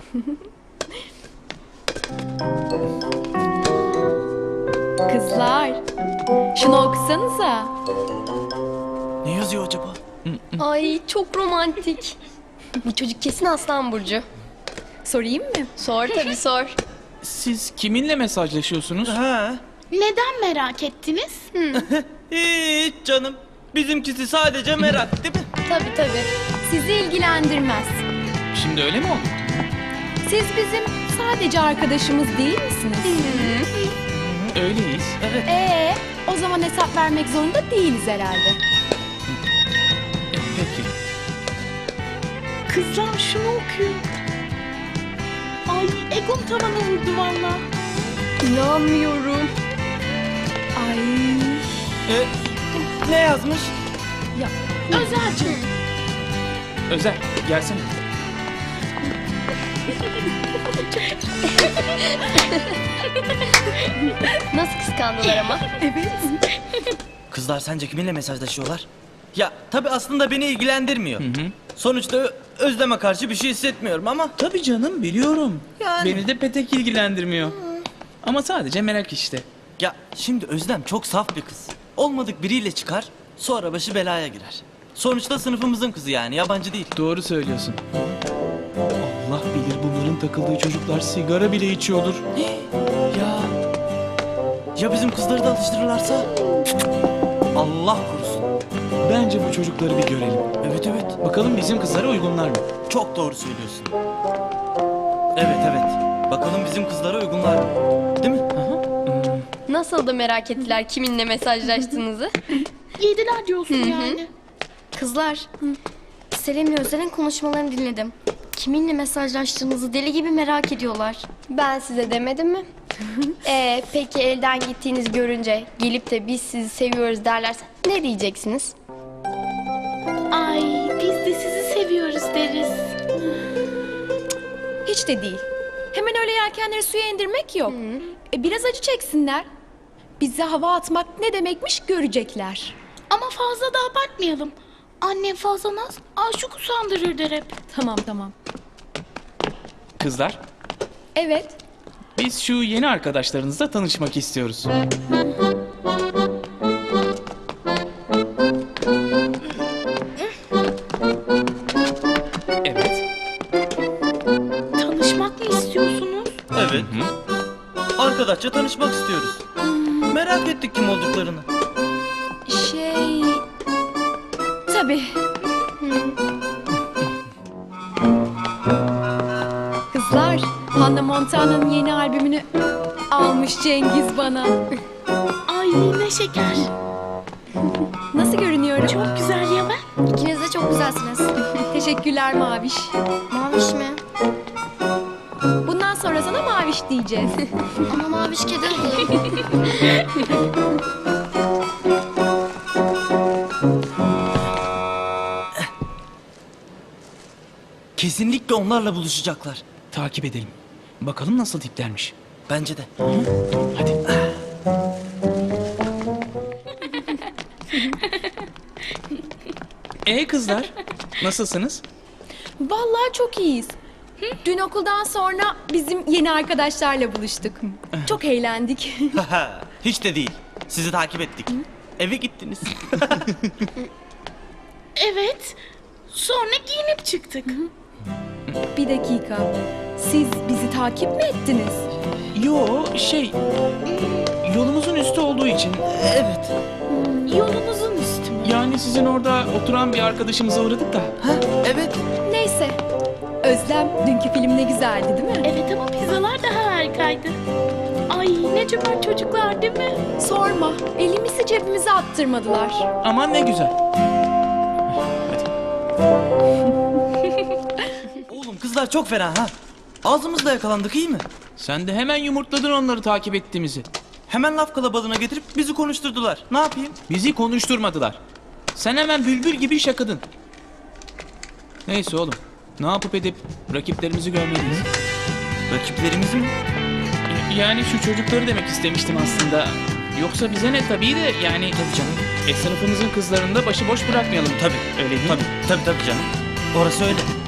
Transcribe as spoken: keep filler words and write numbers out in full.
Kızlar, şunu okusanıza. Ne yazıyor acaba? Ay çok romantik. Bu çocuk kesin Aslan Burcu. Sorayım mı? Sor tabii sor. Siz kiminle mesajlaşıyorsunuz? Ha. Neden merak ettiniz? Hiç canım. Bizimkisi sadece merak değil mi? Tabii tabii. Sizi ilgilendirmez. Şimdi öyle mi oldu? Siz bizim sadece arkadaşımız değil misiniz? Öyleyiz. Ee, o zaman hesap vermek zorunda değiliz herhalde. E, peki. Kızlar şunu okuyun. Ay egom tavana vurdu valla. İnanmıyorum. Ay, E, ne yazmış? Özelcim. Özel, gelsene. Nasıl kıskandılar ama. evet. Kızlar sence kiminle mesajlaşıyorlar? Ya tabii aslında beni ilgilendirmiyor. Sonuçta Ö- Özlem'e karşı bir şey hissetmiyorum ama... Tabii canım, biliyorum. Yani. Beni de petek ilgilendirmiyor. Ama sadece merak işte. Ya şimdi Özlem çok saf bir kız. Olmadık biriyle çıkar, sonra başı belaya girer. Sonuçta sınıfımızın kızı yani, yabancı değil. Doğru söylüyorsun. Allah bilir bunların takıldığı çocuklar sigara bile içiyordur. Ya... Ya bizim kızları da alıştırırlarsa? Allah korusun. Bence bu çocukları bir görelim. Evet evet, Bakalım bizim kızlara uygunlar mı? çok doğru söylüyorsun. Evet evet, bakalım bizim kızlara uygunlar mı? Değil mi? Nasıl da merak ettiler kiminle mesajlaştığınızı. Yediler diyorsun yani. Kızlar, Selim'le Özel'in konuşmalarını dinledim. Kiminle mesajlaştığınızı deli gibi merak ediyorlar. Ben size demedim mi? Ee, peki elden gittiğiniz görünce gelip de biz sizi seviyoruz derlerse ne diyeceksiniz? Ay biz de sizi seviyoruz deriz. Hiç de değil. Hemen öyle yelkenleri suya indirmek yok. E, biraz acı çeksinler. Bize hava atmak ne demekmiş görecekler. Ama fazla da abartmayalım. Annem fazla naz aşık usandırır der hep. Tamam tamam. Kızlar, Evet. biz şu yeni arkadaşlarınızla tanışmak istiyoruz. Evet. Tanışmak mı istiyorsunuz? Evet. Arkadaşça tanışmak istiyoruz. Merak ettik kim olduklarını. Şey... Tabii. Kızlar, Hannah Montana'nın yeni albümünü almış Cengiz bana. Ay ne şeker. Nasıl görünüyorum? Çok güzel ya ben. İkiniz de çok güzelsiniz. Teşekkürler Maviş. Maviş mi? Bundan sonra sana Maviş diyeceğiz. Ama Maviş kedi adı. Kesinlikle onlarla buluşacaklar. Takip edelim. Bakalım nasıl tiplermiş. Bence de. Hadi. Ee kızlar, nasılsınız? Vallahi çok iyiyiz. Dün okuldan sonra bizim yeni arkadaşlarla buluştuk. Çok eğlendik. Hiç de değil. Sizi takip ettik. Eve gittiniz. Evet. Sonra giyinip çıktık. Bir dakika. Siz bizi takip mi ettiniz? Yo, şey... Yolumuzun üstü olduğu için. Evet. Yolumuzun üstü mü? Yani sizin orada oturan bir arkadaşımıza uğradık da. Ha, evet. Neyse. Özlem, dünkü film ne güzeldi değil mi? Evet ama pizzalar daha harikaydı. Ay ne cömert çocuklar değil mi? Sorma. Elimizi cebimize attırmadılar. Aman ne güzel. Oğlum kızlar çok fena ha. Ağzımızla yakalandık, iyi mi? Sen de hemen yumurtladın onları takip ettiğimizi. Hemen laf kalabalığına getirip bizi konuşturdular. Ne yapayım? Bizi konuşturmadılar. Sen hemen bülbül gibi şakadın. Neyse oğlum. Ne yapıp edip rakiplerimizi görmeliyiz. Rakiplerimizi mi? Y- Yani şu çocukları demek istemiştim aslında. Yoksa bize ne tabii de yani... Tabii canım. E sınıfımızın kızlarını da başıboş bırakmayalım. Tabii. Öyle değil mi? Tabii. Tabii tabii canım. Orası öyle.